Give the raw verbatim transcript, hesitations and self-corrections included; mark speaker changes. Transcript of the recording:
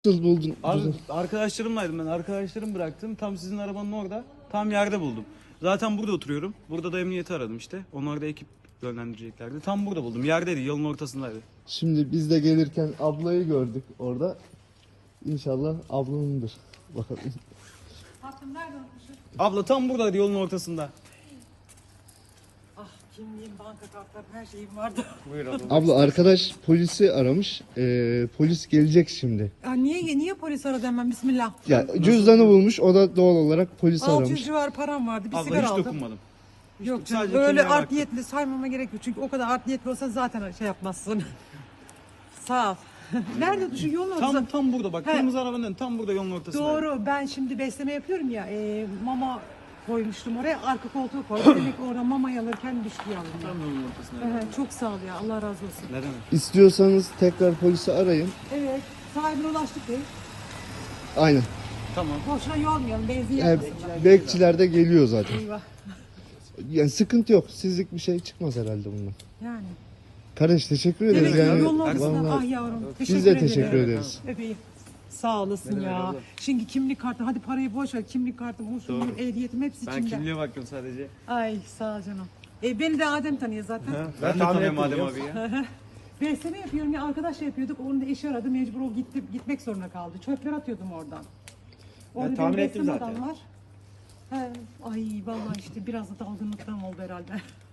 Speaker 1: Nasıl buldun?
Speaker 2: Abi arkadaşlarımlaydım ben. Arkadaşlarım bıraktım. Tam sizin arabanın orada. Tam yerde buldum. Zaten burada oturuyorum. Burada da emniyeti aradım işte. Onlar da ekip yönlendireceklerdi. Tam burada buldum. Yerdeydi. Yolun ortasındaydı.
Speaker 1: Şimdi biz de gelirken ablayı gördük orada. İnşallah ablanındır. Bakalım.
Speaker 3: Tatlım nerede unutmuşum?
Speaker 2: Abla tam buradaydı. Yolun ortasında.
Speaker 3: Ah kimliğim, banka kartlarım, her şeyim vardı.
Speaker 2: Buyur abla.
Speaker 1: Abla arkadaş polisi aramış. Ee, polis gelecek şimdi.
Speaker 3: Ya niye niye polis aradı hemen bismillah.
Speaker 1: Ya cüzdanı bulmuş. O da doğal olarak polis
Speaker 3: altı yüz
Speaker 1: aramış.
Speaker 3: civar param vardı, bir
Speaker 2: Abla
Speaker 3: sigara
Speaker 2: hiç
Speaker 3: aldım.
Speaker 2: dokunmadım. Hiç
Speaker 3: Yok
Speaker 2: dok-
Speaker 3: canım,
Speaker 2: sadece
Speaker 3: öyle
Speaker 2: kimliğe
Speaker 3: art
Speaker 2: baktım.
Speaker 3: niyetli saymama gerek yok. Çünkü o kadar art niyetli olsan zaten şey yapmazsın. Sağ ol. Nerede şu yolun ortasında?
Speaker 2: Tam tam burada bak.
Speaker 3: He.
Speaker 2: Kırmızı arabanın önü tam burada yolun ortasında.
Speaker 3: Doğru, ben şimdi besleme yapıyorum ya, e, mama koymuştum oraya, arka koltuğu koydum. Demek ki orada mama alırken düştü yavrum.
Speaker 2: Tam yolun ortasında.
Speaker 3: Evet, çok sağ ol ya, Allah razı olsun.
Speaker 2: Ne demek?
Speaker 1: İstiyorsanız tekrar polisi arayın.
Speaker 3: Evet, sahibine ulaştık değil.
Speaker 1: Aynen.
Speaker 2: Tamam.
Speaker 3: Boşuna yormayalım, benzin
Speaker 1: Yani
Speaker 3: yakmasınlar.
Speaker 1: bekçiler de geliyor zaten.
Speaker 3: Eyvah.
Speaker 1: Yani sıkıntı yok. Sizlik bir şey çıkmaz herhalde bundan.
Speaker 3: Yani.
Speaker 1: Kardeş teşekkür ederiz.
Speaker 3: Demek ki
Speaker 1: Yani,
Speaker 3: yolun ortasında.
Speaker 1: vallahi
Speaker 3: Ah yavrum. Teşekkür
Speaker 1: biz de
Speaker 3: ederim.
Speaker 1: teşekkür ederiz.
Speaker 3: Öpeyim. Sağ olasın
Speaker 2: Ne demek
Speaker 3: ya.
Speaker 2: abla?
Speaker 3: Şimdi kimlik kartı, hadi parayı boş ver. Kimlik kartım,
Speaker 2: Doğru.
Speaker 3: usulüm, ehliyetim hepsi
Speaker 2: Ben
Speaker 3: içinde.
Speaker 2: kimliğe baktım sadece.
Speaker 3: Ay sağ ol canım. E, beni de Adem tanıyor zaten.
Speaker 2: Ben de tanıyorum Adem abi ya.
Speaker 3: Besleme yapıyorum ya, arkadaşla yapıyorduk. Onun da eşi aradı, mecbur o gitti, gitmek zorunda kaldı. Çöpler atıyordum oradan. Orada
Speaker 2: tahmin
Speaker 3: benim
Speaker 2: ettim
Speaker 3: besleme
Speaker 2: zaten.
Speaker 3: adam var. He, ay vallahi işte biraz da dalgınlıktan oldu herhalde.